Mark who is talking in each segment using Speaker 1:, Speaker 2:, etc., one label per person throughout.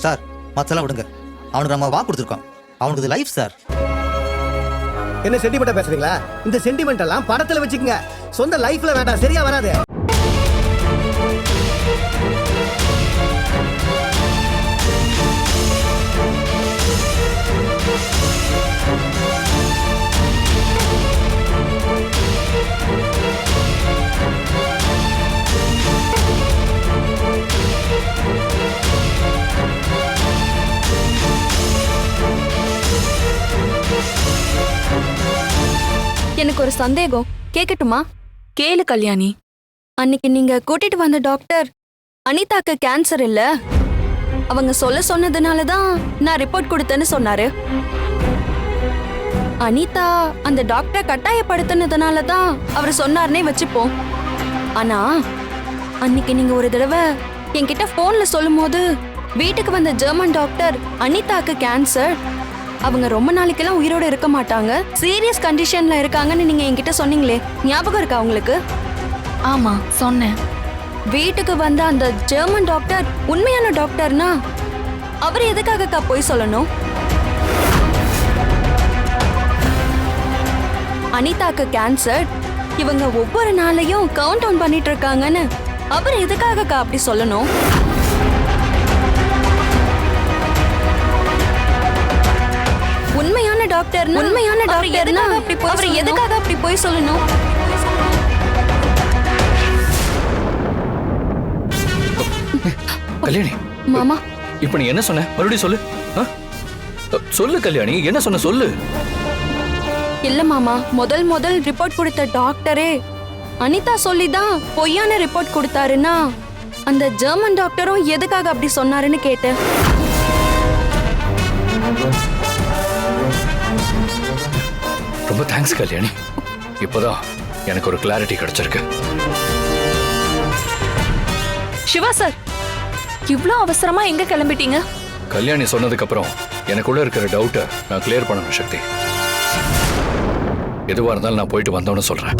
Speaker 1: Sir மத்தெல்லாம் விடுங்க. அவனுக்கு நம்ம வாக்கு கொடுத்துருக்கோம். அவனுக்கு இது லைஃப் சார்.
Speaker 2: என்ன சென்டிமெண்டா பேசுறீங்களா? இந்த சென்டிமெண்ட் எல்லாம் படத்துல வச்சுக்கங்க, சொந்த லைஃப்ல வேண்டாம், சரியா வராது.
Speaker 3: எனக்கு ஒரு சந்தேகம், கேட்கட்டுமா?
Speaker 4: கேளு கல்யாணி.
Speaker 3: அன்னைக்கு நீங்க கூட்டிட்டு வந்த டாக்டர் அனிதாக்கு கேன்சர் இல்ல, அவங்க சொன்னதுனால தான் நான் ரிப்போர்ட் கொடுத்தேன்னு சொன்னாரு. அனிதா அந்த டாக்டர் கட்டாயப்படுத்தினதுனால தான் அவர் சொன்னார்னே வச்சுப்போம். ஆனா அன்னைக்கு நீங்க ஒரு தடவை என்கிட்ட போன்ல சொல்லும் போது வீட்டுக்கு வந்த ஜெர்மன் டாக்டர் அனிதாக்கு கேன்சர், அவங்க ரொம்ப நாளைக்கெல்லாம் உயிரோட இருக்க மாட்டாங்க, சீரியஸ் கண்டிஷன்ல இருக்காங்கன்னு நீங்க என்கிட்ட சொன்னீங்களே, ஞாபகம் இருக்கா உங்களுக்கு?
Speaker 4: ஆமா சொன்னேன்.
Speaker 3: வீட்டுக்கு வந்த அந்த ஜெர்மன் டாக்டர் உண்மையான டாக்டர்னா அவர் எதுக்காகக்கா போய் சொல்லணும்? அனிதாக்கு கேன்சர், இவங்க ஒவ்வொரு நாளையும் கவுண்ட் டவுன் பண்ணிட்டு இருக்காங்கன்னு அவர் எதுக்காகக்கா அப்படி சொல்லணும்? உண்மையான டாக்டர்னா அவர் எதுக்காக அப்படி போய் சொல்லணும்?
Speaker 5: கல்யாணி
Speaker 3: மாமா,
Speaker 5: இப்ப நீ என்ன சொன்ன? மறுபடியும் சொல்லு. சொல்லு கல்யாணி, என்ன சொன்ன சொல்லு.
Speaker 3: இல்ல மாமா, முதல் ரிப்போர்ட் கொடுத்த டாக்டரே அனிதா சொல்லிதான் பொய்யான ரிப்போர்ட் கொடுத்தாருன்னா அந்த ஜெர்மன் டாக்டரும் எதுக்காக அப்படி சொன்னாருன்னு கேட்டேன்.
Speaker 5: ரொம்ப தேங்க்ஸ் கல்யாணி, இப்போதான் எனக்கு ஒரு கிளாரிட்டி கிடைச்சிருக்கு.
Speaker 4: சிவா சார், இவ்ளோ அவசரமா எங்க கிளம்பிட்டீங்க?
Speaker 5: கல்யாணி சொன்னதுக்கு அப்புறம் எனக்குள்ள இருக்கிற டவுட்டை நான் கிளியர் பண்ணணும் சக்தி. எதுவா இருந்தாலும் நான் போயிட்டு வந்தோன்னு சொல்றேன்.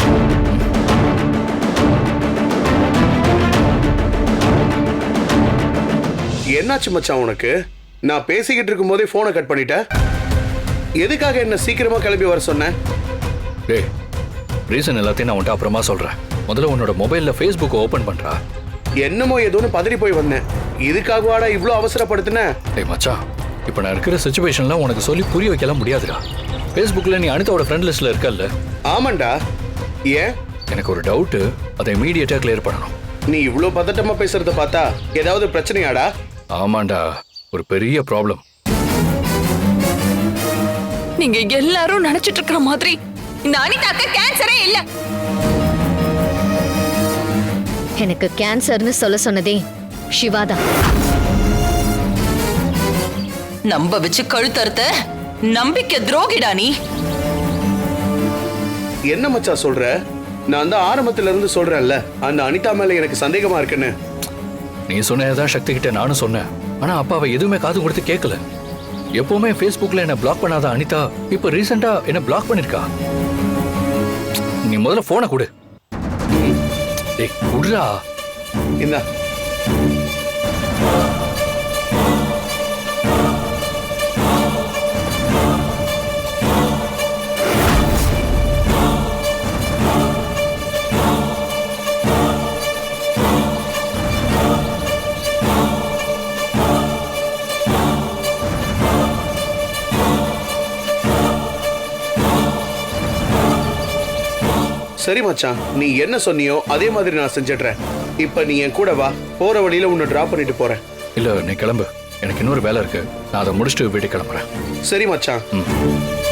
Speaker 6: என்னாச்சு மச்சான் உனக்கு? நான் பேசிக்கிட்டு இருக்கும் போதே போனை கட் பண்ணிட்ட. எதுக்காக என்ன சீக்கிரமா கிளம்பி வர சொன்ன?
Speaker 5: டேய், ரீசன் எல்லாத்தையும் நான் உன்ட்ட அப்புறமா சொல்றேன். முதல்ல உன்னோட மொபைல்ல ஃபேஸ்புக் ஓபன் பண்றா.
Speaker 6: என்னமோ ஏதோன்னு பதறி போய் வந்தேன். இதுக்காகவாடா இவ்ளோ அவசரப்படுத்தின?
Speaker 5: டேய் மச்சான், இப்போ நான் இருக்கிற சிச்சுவேஷன்ல உனக்கு சொல்லி புரிய வைக்கலாம் முடியாதுடா. ஃபேஸ்புக்ல நீ அனிதாவோட ஃப்ரெண்ட் லிஸ்ட்ல இருக்கல்ல?
Speaker 6: ஆமாண்டா. ஏன்?
Speaker 5: எனக்கு ஒரு டவுட், அதை இமீடியட்டா கிளியர் பண்ணணும்.
Speaker 6: நீ இவ்ளோ பதட்டமா பேசுறத பார்த்தா ஏதாவது பிரச்சனையாடா?
Speaker 5: ஆமாண்டா, ஒரு பெரிய ப்ராப்ளம்.
Speaker 4: நீங்க எல்லாரும் நினைச்சிட்டு இருக்கிற மாதிரி இந்த அனிதாக்கு கேன்சரே இல்ல.
Speaker 7: எனக்கு கேன்சர்னு சொல்ல சொன்னதே சிவாதான்.
Speaker 4: நம்ப வச்சு கழுத்தறுத்த நம்பிக்கை துரோகிடா நீ.
Speaker 6: என்ன மச்சான் சொல்ற? நான் தான் ஆரம்பத்துல இருந்து சொல்றேன்ல, அந்த அனிதா மேல எனக்கு சந்தேகமா இருக்குன்னு.
Speaker 5: நீ சொன்னதான் சக்தி கிட்ட நானும் சொன்னேன். ஆனா அப்பா அவ எதுவுமே காது கொடுத்து கேட்கல. எப்பவுமே ஃபேஸ்புக்ல என்ன பிளாக் பண்ணாத அனிதா இப்ப ரீசெண்டா என்ன பிளாக் பண்ணிருக்கா. நீ முதல்ல போனை கொடு. டேய் குடுறா.
Speaker 6: இந்தா. சரி மச்சான், நீ என்ன சொன்னியோ அதே மாதிரி நான் செஞ்சிடுறேன். இப்ப நீ என் கூட வா, போற வழியில உன்னை டிராப் பண்ணிட்டு போறேன்.
Speaker 5: இல்ல நீ கிளம்பு, எனக்கு இன்னொரு வேலை இருக்கு. நான் அதை முடிச்சுட்டு வீட்டுக்கு கிளம்புறேன்.
Speaker 6: சரி மச்சான்.